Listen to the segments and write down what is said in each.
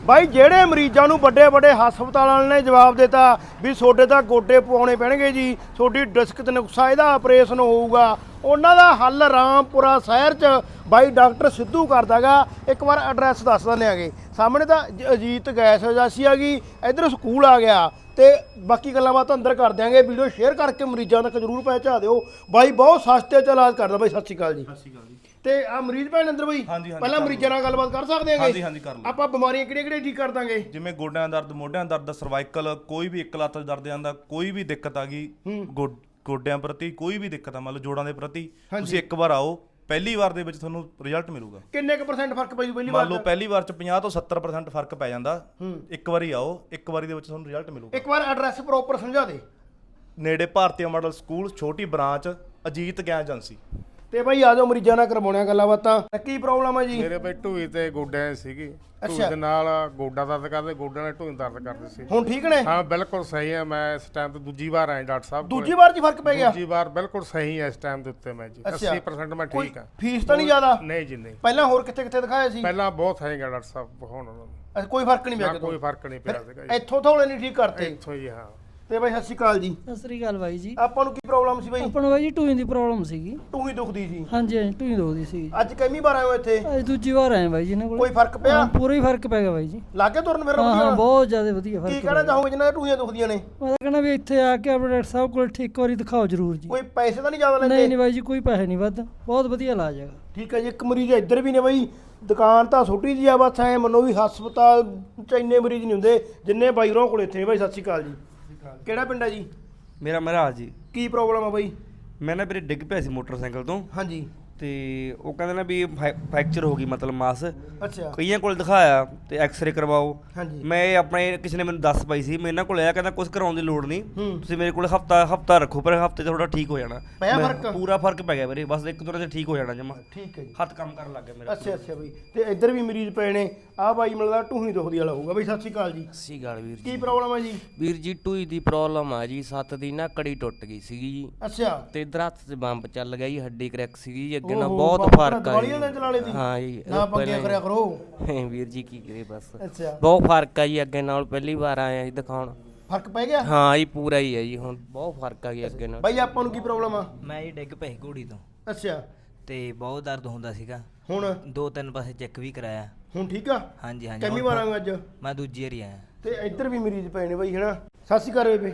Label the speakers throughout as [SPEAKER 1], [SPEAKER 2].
[SPEAKER 1] ਬਾਈ ਜਿਹੜੇ ਮਰੀਜ਼ਾਂ ਨੂੰ ਵੱਡੇ ਵੱਡੇ ਹਸਪਤਾਲਾਂ ਨੇ ਜਵਾਬ ਦਿੱਤਾ ਵੀ ਤੁਹਾਡੇ ਤਾਂ ਗੋਡੇ ਪਵਾਉਣੇ ਪੈਣਗੇ ਜੀ, ਤੁਹਾਡੀ ਡਿਸਕ ਤੇ ਨੁਕਸਾ, ਇਹਦਾ ਆਪਰੇਸ਼ਨ ਹੋਊਗਾ, ਉਹਨਾਂ ਦਾ ਹੱਲ ਰਾਮਪੁਰਾ ਸ਼ਹਿਰ 'ਚ ਬਾਈ ਡਾਕਟਰ ਸਿੱਧੂ ਕਰਦਾਗਾ। ਇੱਕ ਵਾਰ ਐਡਰੈਸ ਦੱਸ ਦਿੰਦੇ ਆਗੇ। ਸਾਹਮਣੇ ਤਾਂ ਅਜੀਤ ਗੈਸ ਏਜੰਸੀ ਆ ਗਈ, ਇੱਧਰ ਸਕੂਲ ਆ ਗਿਆ, ਤੇ ਬਾਕੀ ਗੱਲਾਂ ਬਾਤਾਂ ਅੰਦਰ ਕਰ ਦਿਆਂਗੇ। ਵੀਡੀਓ ਸ਼ੇਅਰ ਕਰਕੇ ਮਰੀਜ਼ਾਂ ਤੱਕ ਜ਼ਰੂਰ ਪਹੁੰਚਾ ਦਿਓ। ਬਾਈ ਬਹੁਤ ਸਸਤੇ 'ਚ ਇਲਾਜ ਕਰਦਾ। ਬਾਈ ਸਤਿ ਸ਼੍ਰੀ ਅਕਾਲ ਜੀ।
[SPEAKER 2] ਸਤਿ ਸ਼੍ਰੀ ਅਕਾਲ ਜੀ।
[SPEAKER 1] ਤੇ ਆ ਮਰੀਜ਼ ਭੈਣ ਅੰਦਰ ਬਾਈ, ਪਹਿਲਾਂ ਮਰੀਜ਼ਾਂ ਨਾਲ ਗੱਲਬਾਤ ਕਰ ਸਕਦੇ ਆਂਗੇ?
[SPEAKER 2] ਹਾਂਜੀ ਕਰ ਲਓ।
[SPEAKER 1] ਆਪਾਂ ਬਿਮਾਰੀਆਂ ਕਿਹੜੀਆਂ ਠੀਕ ਕਰ ਦਾਂਗੇ?
[SPEAKER 2] ਜਿਵੇਂ ਗੋਡਿਆਂ ਦਾ ਦਰਦ, ਮੋਢਿਆਂ ਦਾ ਦਰਦ, ਸਰਵਾਈਕਲ, ਕੋਈ ਵੀ ਇੱਕ ਲੱਤ ਦਰਦ ਆਂਦਾ, ਕੋਈ ਵੀ ਦਿੱਕਤ ਆ ਗਈ ਗੋਡਿਆਂ ਪ੍ਰਤੀ, ਕੋਈ ਵੀ ਦਿੱਕਤ ਆ ਮਤਲਬ ਜੋੜਾਂ ਦੇ ਪ੍ਰਤੀ, ਤੁਸੀਂ ਇੱਕ ਵਾਰ ਆਓ। ਪਹਿਲੀ ਵਾਰ ਦੇ ਵਿੱਚ ਤੁਹਾਨੂੰ ਰਿਜ਼ਲਟ ਮਿਲੂਗਾ।
[SPEAKER 1] ਕਿੰਨੇ ਕੁ % ਫਰਕ ਪੈ ਜੂ ਪਹਿਲੀ ਵਾਰ?
[SPEAKER 2] ਮੰਨ ਲਓ ਪਹਿਲੀ ਵਾਰ ਚ 50 ਤੋਂ 70% ਫਰਕ ਪੈ ਜਾਂਦਾ। ਇੱਕ ਵਾਰੀ ਆਓ, ਇੱਕ ਵਾਰੀ ਦੇ ਵਿੱਚ ਤੁਹਾਨੂੰ ਰਿਜ਼ਲਟ ਮਿਲੂਗਾ।
[SPEAKER 1] ਇੱਕ ਵਾਰ ਐਡਰੈਸ ਪ੍ਰੋਪਰ ਸਮਝਾ ਦੇ।
[SPEAKER 2] ਨੇੜੇ ਭਾਰਤੀ ਮਾਡਲ ਸਕੂਲ, ਛੋਟੀ ਬ੍ਰਾਂਚ, ਅਜੀਤ ਗੈਸ ਏਜੰਸੀ।
[SPEAKER 1] ਤੇ ਬਾਈ ਆ ਜਾਓ ਮਰੀਜ਼ਾਂ ਨਾਲ ਕਰਵਾਉਣਿਆ ਗੱਲਾਂ ਬਾਤਾਂ। ਕੀ ਪ੍ਰੋਬਲਮ ਹੈ ਜੀ?
[SPEAKER 3] ਮੇਰੇ ਬਈ ਢੂਈ ਤੇ ਗੋਡਿਆਂ ਸੀਗੀ। ਢੂਈ ਦੇ ਨਾਲ ਗੋਡਾ ਦਰਦ ਕਰਦੇ, ਗੋਡਿਆਂ ਨਾਲ ਢੂਈ ਦਰਦ ਕਰਦੇ ਸੀ।
[SPEAKER 1] ਹੁਣ ਠੀਕ ਨੇ?
[SPEAKER 3] ਹਾਂ ਬਿਲਕੁਲ ਸਹੀ ਹੈ। ਮੈਂ ਇਸ ਟਾਈਮ ਤੇ ਦੂਜੀ ਵਾਰ ਆਇਆ ਡਾਕਟਰ ਸਾਹਿਬ ਕੋਲ।
[SPEAKER 1] ਦੂਜੀ ਵਾਰ 'ਚ ਫਰਕ ਪੈ ਗਿਆ?
[SPEAKER 3] ਦੂਜੀ ਵਾਰ ਬਿਲਕੁਲ ਸਹੀ ਹੈ ਇਸ ਟਾਈਮ ਦੇ ਉੱਤੇ ਮੈਂ ਜੀ। 80% ਮੈਂ ਠੀਕ ਹਾਂ।
[SPEAKER 1] ਫੀਸ ਤਾਂ ਨਹੀਂ ਜ਼ਿਆਦਾ?
[SPEAKER 3] ਨਹੀਂ ਜੀ ਨਹੀਂ।
[SPEAKER 1] ਪਹਿਲਾਂ ਹੋਰ ਕਿੱਥੇ ਕਿੱਥੇ ਦਿਖਾਇਆ ਸੀ?
[SPEAKER 3] ਪਹਿਲਾਂ ਬਹੁਤ ਹੈਗਾ ਡਾਕਟਰ ਸਾਹਿਬ ਹੁਣ ਉਹਨਾਂ ਨੂੰ।
[SPEAKER 1] ਕੋਈ ਫਰਕ ਨਹੀਂ ਪਿਆ?
[SPEAKER 3] ਕੋਈ ਫਰਕ ਨਹੀਂ ਪਿਆ ਸੀਗਾ ਜੀ।
[SPEAKER 1] ਇੱਥੋਂ ਥੋੜੇ ਨਹੀਂ ਠੀਕ ਕਰਤੇ?
[SPEAKER 3] ਇੱਥੋਂ ਹੀ ਹਾਂ।
[SPEAKER 1] ਤੇ ਬਾਈ ਸਤਿ ਸ਼੍ਰੀ ਅਕਾਲ ਜੀ।
[SPEAKER 4] ਸਤਿ ਸ੍ਰੀ ਅਕਾਲ ਬਾਈ ਜੀ।
[SPEAKER 1] ਆਪਾਂ ਨੂੰ ਕੀ ਪ੍ਰੋਬਲਮ ਸੀ ਬਾਈ?
[SPEAKER 4] ਆਪਾਂ ਨੂੰ ਬਾਈ ਜੀ ਟੂਈ ਦੀ ਪ੍ਰੋਬਲਮ ਸੀਗੀ।
[SPEAKER 1] ਟੂਹੀ ਦੁਖਦੀ ਸੀ?
[SPEAKER 4] ਹਾਂਜੀ ਹਾਂਜੀ ਟੂਈ ਦੁਖਦੀ ਸੀ।
[SPEAKER 1] ਅੱਜ ਕਿੰਨੀ ਵਾਰ ਆਏ ਹੋ ਇੱਥੇ?
[SPEAKER 4] ਅੱਜ ਦੂਜੀ ਵਾਰ ਆਏ ਬਾਈ ਜੀ ਇਹਨਾਂ ਕੋਲ।
[SPEAKER 1] ਕੋਈ ਫਰਕ ਪਿਆ?
[SPEAKER 4] ਹਾਂ, ਪੂਰਾ ਹੀ ਫਰਕ ਪੈ ਗਿਆ ਬਾਈ ਜੀ।
[SPEAKER 1] ਲਾਗੇ ਤੁਰਨ ਫਿਰਨ
[SPEAKER 4] ਹਾਂ ਹਾਂ
[SPEAKER 1] ਵਧੀਆ?
[SPEAKER 4] ਬਹੁਤ ਜ਼ਿਆਦਾ ਵਧੀਆ ਫਰਕ
[SPEAKER 1] ਕੀ ਕਹਿਣਾ ਚਾਹੋਗੇ ਜਿਨ੍ਹਾਂ ਦੀਆਂ ਟੂਹੀਆਂ ਦੁਖਦੀਆਂ ਨੇ?
[SPEAKER 4] ਮੈਂ ਤਾਂ ਕਹਿੰਦਾ ਵੀ ਇੱਥੇ ਆ ਕੇ ਆਪਣੇ ਡਾਕਟਰ ਸਾਹਿਬ ਕੋਲ ਇੱਕ ਵਾਰੀ ਦਿਖਾਓ ਜ਼ਰੂਰ ਜੀ।
[SPEAKER 1] ਕੋਈ ਪੈਸੇ ਤਾਂ ਨਹੀਂ ਜ਼ਿਆਦਾ ਲੈਂਦੇ?
[SPEAKER 4] ਨਹੀਂ ਨਹੀਂ ਬਾਈ ਜੀ ਕੋਈ ਪੈਸੇ ਨਹੀਂ ਵੱਧ, ਬਹੁਤ ਵਧੀਆ ਇਲਾਜ ਹੈਗਾ।
[SPEAKER 1] ਠੀਕ ਹੈ ਜੀ। ਇੱਕ ਮਰੀਜ਼ ਇੱਧਰ ਵੀ ਨੇ ਬਾਈ। ਦੁਕਾਨ ਤਾਂ ਛੋਟੀ ਜਿਹੀ ਆ, ਬਸ ਐ ਮੰਨੋ ਵੀ ਹਸਪਤਾਲ 'ਚ ਇੰਨੇ ਮਰੀਜ਼ ਨਹੀਂ ਹੁੰਦੇ ਜਿੰਨੇ ਬਾਈ ਹੋਰਾਂ ਕੋਲ ਇੱਥੇ ਨੇ। ਬਾਈ ਸਤਿ ਸ਼੍ਰੀ ਅਕਾਲ ਜੀ। ਕਿਹੜਾ ਪਿੰਡ ਹੈ ਜੀ?
[SPEAKER 5] ਮੇਰਾ ਮਹਾਰਾਜ ਜੀ।
[SPEAKER 1] ਕੀ ਪ੍ਰੋਬਲਮ ਆ ਬਾਈ?
[SPEAKER 5] ਮੈਂ ਨਾ ਵੀਰੇ ਡਿੱਗ ਪਿਆ ਸੀ ਮੋਟਰਸਾਈਕਲ ਤੋਂ,
[SPEAKER 1] ਹਾਂਜੀ।
[SPEAKER 5] ਤੇ ਉਹ ਕਹਿੰਦੇ ਨਾ ਵੀ ਫ੍ਰੈਕਚਰ ਹੋ ਗਈ ਮਤਲਬ ਮਾਸ।
[SPEAKER 1] ਅੱਛਾ।
[SPEAKER 5] ਕਈਆਂ ਕੋਲ ਦਿਖਾਇਆ ਤੇ ਐਕਸ-ਰੇ ਕਰਵਾਓ।
[SPEAKER 1] ਹਾਂਜੀ।
[SPEAKER 5] ਮੈਂ ਆਪਣੇ ਕਿਸੇ ਨੇ ਮੈਨੂੰ ਦੱਸ ਪਾਈ ਸੀ, ਮੈਂ ਇਹਨਾਂ ਕੋਲ ਆਇਆ, ਕਹਿੰਦਾ ਕੁਝ ਕਰਾਉਣ ਦੀ ਲੋੜ ਨਹੀਂ, ਤੁਸੀਂ ਮੇਰੇ ਕੋਲ ਹਫਤਾ ਰੱਖੋ, ਪਰ ਹਫਤੇ 'ਚ ਤੁਹਾਡਾ ਠੀਕ ਹੋ ਜਾਣਾ।
[SPEAKER 1] ਪਿਆ ਫਰਕ?
[SPEAKER 5] ਪੂਰਾ ਫਰਕ ਪੈ ਗਿਆ ਵੀਰੇ, ਬਸ ਇੱਕ ਦੋ ਦਿਨ 'ਚ ਠੀਕ ਹੋ ਜਾਣਾ ਜਮਾ।
[SPEAKER 1] ਠੀਕ ਹੈ ਜੀ।
[SPEAKER 5] ਹੱਥ ਕੰਮ ਕਰਨ ਲੱਗ ਗਿਆ ਮੇਰਾ।
[SPEAKER 1] ਅੱਛਾ ਅੱਛਾ ਬਾਈ। ਤੇ ਇੱਧਰ ਵੀ ਮਰੀਜ਼ ਪਏ ਨੇ। ਆਹ ਬਾਈ ਮਿਲਦਾ ਟੂਹੀ ਦੁਖਦੀ ਵਾਲਾ ਹੋਊਗਾ। ਬਾਈ ਸਤਿ ਸ਼੍ਰੀ ਅਕਾਲ ਜੀ।
[SPEAKER 6] ਸਤਿ ਸ਼੍ਰੀ ਅਕਾਲ ਵੀਰ ਜੀ।
[SPEAKER 1] ਕੀ ਪ੍ਰੋਬਲਮ ਹੈ ਜੀ?
[SPEAKER 6] ਵੀਰ ਜੀ ਟੂਈ ਦੀ ਪ੍ਰੋਬਲਮ ਆ ਜੀ। 7 ਦੀ ਨਾ ਕੜੀ ਟੁੱਟ ਗਈ ਸੀਗੀ ਜੀ,
[SPEAKER 1] ਅੱਛਾ।
[SPEAKER 6] ਤੇ ਇਧਰ ਹੱਥ 'ਚ ਬੰਬ ਚੱਲ ਗਿਆ ਜੀ, ਹੱਡੀ ਕਰੈਕ ਸੀਗੀ ਜੀ। ਅੱਗੇ ਨਾਲ
[SPEAKER 1] ਓਹੋ,
[SPEAKER 6] ਬਹੁਤ
[SPEAKER 1] ਬੰਬ
[SPEAKER 6] ਫਰਕ ਆ
[SPEAKER 1] ਦੀਵਾਲੀ ਵਾਲੇ ਚਲਾ ਲਏ ਸੀ?
[SPEAKER 6] ਹਾਂ ਜੀ।
[SPEAKER 1] ਨਾ ਪੰਗੇ ਕਰਿਆ ਕਰੋ
[SPEAKER 6] ਵੀਰ ਜੀ ਕੀ ਕਰੇ ਬਸ।
[SPEAKER 1] ਅੱਛਾ।
[SPEAKER 6] ਬਹੁਤ ਫਰਕ ਆ ਜੀ ਅੱਗੇ ਨਾਲ। ਪਹਿਲੀ ਵਾਰ ਆਏ ਜੀ ਦਿਖਾਉਣ।
[SPEAKER 1] ਫਰਕ ਪੈ ਗਿਆ?
[SPEAKER 6] ਹਾਂ ਜੀ ਪੂਰਾ ਹੀ ਹੈ ਜੀ ਹੁਣ, ਬਹੁਤ ਫਰਕ ਆ ਗਿਆ ਅੱਗੇ ਨਾਲ।
[SPEAKER 1] ਬਾਈ ਆਪਾਂ ਨੂੰ ਕੀ ਪ੍ਰੋਬਲਮ ਆ?
[SPEAKER 7] ਮੈਂ ਜੀ ਡਿੱਗ ਪਈ ਘੋੜੀ ਤੋਂ,
[SPEAKER 1] ਅੱਛਾ।
[SPEAKER 7] ਤੇ ਬਹੁਤ ਦਰਦ ਹੁੰਦਾ ਸੀਗਾ।
[SPEAKER 1] ਹੁਣ
[SPEAKER 7] 2-3 ਪਾਸੇ ਚੈੱਕ ਵੀ ਕਰਾਇਆ।
[SPEAKER 1] ਹੁਣ ਠੀਕ ਆ?
[SPEAKER 7] ਹਾਂਜੀ ਹਾਂਜੀ।
[SPEAKER 1] ਕਿੰਨੀ
[SPEAKER 7] ਹੁਣ
[SPEAKER 1] ਵਾਰ ਆਏ ਅੱਜ?
[SPEAKER 7] ਮੈਂ ਦੂਜੀ ਵਾਰੀ ਆਇਆ।
[SPEAKER 1] ਤੇ ਇੱਧਰ ਵੀ ਮਰੀਜ਼ ਪਏ ਨੇ ਬਾਈ, ਹਨਾ? ਸਤਿ ਸ਼੍ਰੀ ਅਕਾਲ ਬੇਬੇ।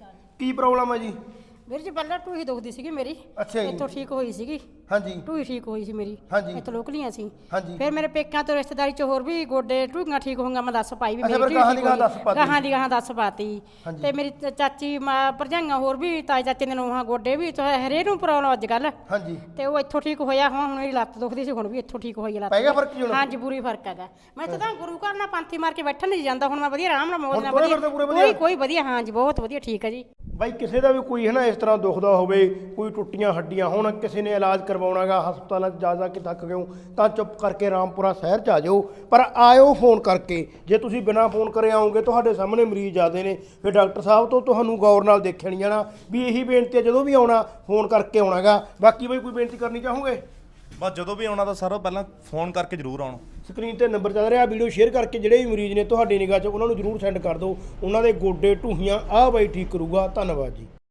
[SPEAKER 1] ਕੀ ਪ੍ਰੋਬਲਮ ਹੈ ਜੀ?
[SPEAKER 8] ਵੀਰ ਜੀ ਪਹਿਲਾਂ ਟੂਹੀ ਦੁਖਦੀ ਸੀਗੀ ਮੇਰੀ।
[SPEAKER 1] ਅੱਛਾ ਜੀ।
[SPEAKER 8] ਇੱਥੋਂ ਠੀਕ ਹੋਈ ਸੀਗੀ।
[SPEAKER 1] ਹਾਂਜੀ।
[SPEAKER 8] ਟੂਹੀ ਠੀਕ ਹੋਈ ਸੀ ਮੇਰੀ।
[SPEAKER 1] ਹਾਂਜੀ।
[SPEAKER 8] ਇੱਥੋਂ ਲੋਕਲੀਆਂ ਸੀ।
[SPEAKER 1] ਹਾਂਜੀ।
[SPEAKER 8] ਫਿਰ ਮੇਰੇ ਪੇਕਿਆਂ ਤੋਂ ਰਿਸ਼ਤੇਦਾਰੀ ਚ ਹੋਰ ਵੀ ਗੋਡੇ ਟੂਹੀਆਂ ਠੀਕ ਹੋਈਆਂ। ਮੈਂ ਦੱਸ ਪਾਈ ਵੀ
[SPEAKER 1] ਅੱਛਾ,
[SPEAKER 8] ਮੇਰੀ
[SPEAKER 1] ਫਿਰ
[SPEAKER 8] ਟੂਹੀ
[SPEAKER 1] ਗਾਹਾਂ ਦੀ
[SPEAKER 8] ਠੀਕ
[SPEAKER 1] ਗਾਹਾਂ
[SPEAKER 8] ਹੋਈ।
[SPEAKER 1] ਦੱਸ ਪਾਤੀ।
[SPEAKER 8] ਗਾਹਾਂ ਦੀ ਗਾਹਾਂ ਦੱਸ ਪਾਤੀ।
[SPEAKER 1] ਹਾਂਜੀ।
[SPEAKER 8] ਤੇ ਮੇਰੀ ਚਾਚੀ ਭਰਜਾਈਆਂ ਹੋਰ ਵੀ, ਤਾਏ ਚਾਚੇ ਦੇ ਨੂੰਹਾਂ ਗੋਡੇ ਵੀ ਹਰੇ ਨੂੰ ਪ੍ਰੋਬਲਮ ਅੱਜ ਕੱਲ।
[SPEAKER 1] ਹਾਂਜੀ।
[SPEAKER 8] ਤੇ ਉਹ ਇੱਥੋਂ ਠੀਕ ਹੋਇਆ। ਹੁਣ ਮੇਰੀ ਲੱਤ ਦੁਖਦੀ ਸੀ, ਹੁਣ ਵੀ ਇੱਥੋਂ ਠੀਕ ਹੋਈ ਲੱਤ।
[SPEAKER 1] ਪੈ ਗਿਆ ਫਰਕ ਜੀ ਹੁਣ?
[SPEAKER 8] ਹਾਂਜੀ ਪੂਰੀ ਫਰਕ ਹੈਗਾ। ਮੈਂ ਇੱਥੇ ਤਾਂ ਗੁਰੂ ਘਰ ਨਾਲ ਪਾਂਥੀ ਮਾਰ ਕੇ ਬੈਠਣ ਨਹੀਂ ਜਾਂਦਾ। ਹੁਣ ਮੈਂ ਵਧੀਆ ਆਰਾਮ ਨਾਲ ਮੌਜ ਨਾਲ
[SPEAKER 1] ਹੁਣ ਤੁਰੇ ਫਿਰਦੇ ਪੂਰੇ ਵਧੀਆ?
[SPEAKER 8] ਕੋਈ ਵਧੀਆ। ਹਾਂਜੀ ਬਹੁਤ ਵਧੀਆ ਠੀਕ ਹੈ ਜੀ।
[SPEAKER 1] ਬਾਈ ਕਿਸੇ ਦਾ ਵੀ ਕੋਈ ਹੈ ਨਾ ਇਸ ਤਰ੍ਹਾਂ ਦੁਖਦਾ ਹੋਵੇ, ਕੋਈ ਟੁੱਟੀਆਂ ਹੱਡੀਆਂ ਹੋਣ, ਕਿਸੇ ਨੇ ਇਲਾਜ ਕਰਵਾਉਣਾਗਾ, ਹਸਪਤਾਲਾਂ 'ਚ ਜਾ ਕੇ ਥੱਕ ਗਏ ਤਾਂ ਚੁੱਪ ਕਰਕੇ ਰਾਮਪੁਰਾ ਸ਼ਹਿਰ 'ਚ ਆ ਜਾਓ, ਪਰ ਆਇਓ ਫੋਨ ਕਰਕੇ। ਜੇ ਤੁਸੀਂ ਬਿਨਾਂ ਫੋਨ ਕਰੇ ਆਓਗੇ, ਤੁਹਾਡੇ ਸਾਹਮਣੇ ਮਰੀਜ਼ ਜ਼ਿਆਦੇ ਨੇ, ਫਿਰ ਡਾਕਟਰ ਸਾਹਿਬ ਤੋਂ ਤੁਹਾਨੂੰ ਗੌਰ ਨਾਲ ਦੇਖਿਆ ਨਹੀਂ ਜਾਣਾ। ਵੀ ਇਹੀ ਬੇਨਤੀ ਹੈ, ਜਦੋਂ ਵੀ ਆਉਣਾ ਫੋਨ ਕਰਕੇ ਆਉਣਾਗਾ। ਬਾਕੀ ਬਾਈ ਕੋਈ ਬੇਨਤੀ ਕਰਨੀ ਚਾਹੋਗੇ?
[SPEAKER 2] ਬਸ ਜਦੋਂ ਵੀ ਆਉਣਾ ਤਾਂ ਸਾਰਾ ਪਹਿਲਾਂ ਫੋਨ ਕਰਕੇ ਜ਼ਰੂਰ ਆਉਣਾ।
[SPEAKER 1] ਸਕਰੀਨ ਤੇ ਨੰਬਰ ਚੱਲ ਰਿਹਾ, ਵੀਡੀਓ ਸ਼ੇਅਰ ਕਰਕੇ ਜਿਹੜੇ ਵੀ ਮਰੀਜ਼ ਨੇ ਤੁਹਾਡੀ ਨਿਗਾਹ 'ਚ ਉਹਨਾਂ ਨੂੰ ਜ਼ਰੂਰ ਸੈਂਡ ਕਰ ਦਿਓ। ਉਹਨਾਂ ਦੇ ਗੋਡੇ ਢੂਹੀਆਂ ਆਹ ਬਾਈ ਠੀਕ ਕਰੂਗਾ। ਧੰਨਵਾਦ ਜੀ।